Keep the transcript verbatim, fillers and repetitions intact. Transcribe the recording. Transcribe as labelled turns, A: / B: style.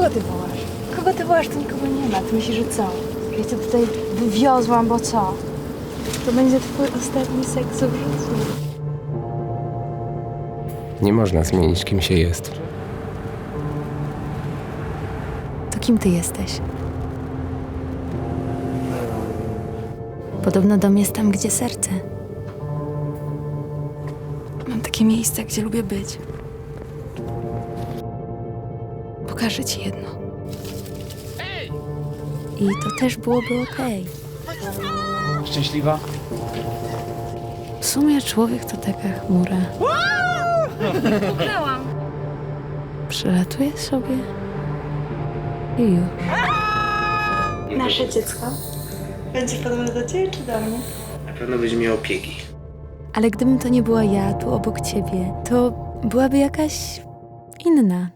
A: Kogo ty wołasz? Kogo ty wołasz? Tu nikogo nie ma. Ty myślisz, że co? Ja cię tutaj wywiozłam, bo co? To będzie twój ostatni seks w życiu.
B: Nie można zmienić, kim się jest.
A: To kim ty jesteś? Podobno dom jest tam, gdzie serce. Mam takie miejsce, gdzie lubię być. Pokażę ci jedno. I to też byłoby okej.
C: Szczęśliwa?
A: W sumie człowiek to taka chmura. Przylatuje sobie i już. Nasze dziecko będzie podobne do ciebie czy do mnie?
C: Na pewno będzie miał opieki.
A: Ale gdybym to nie była ja tu obok ciebie, to byłaby jakaś inna.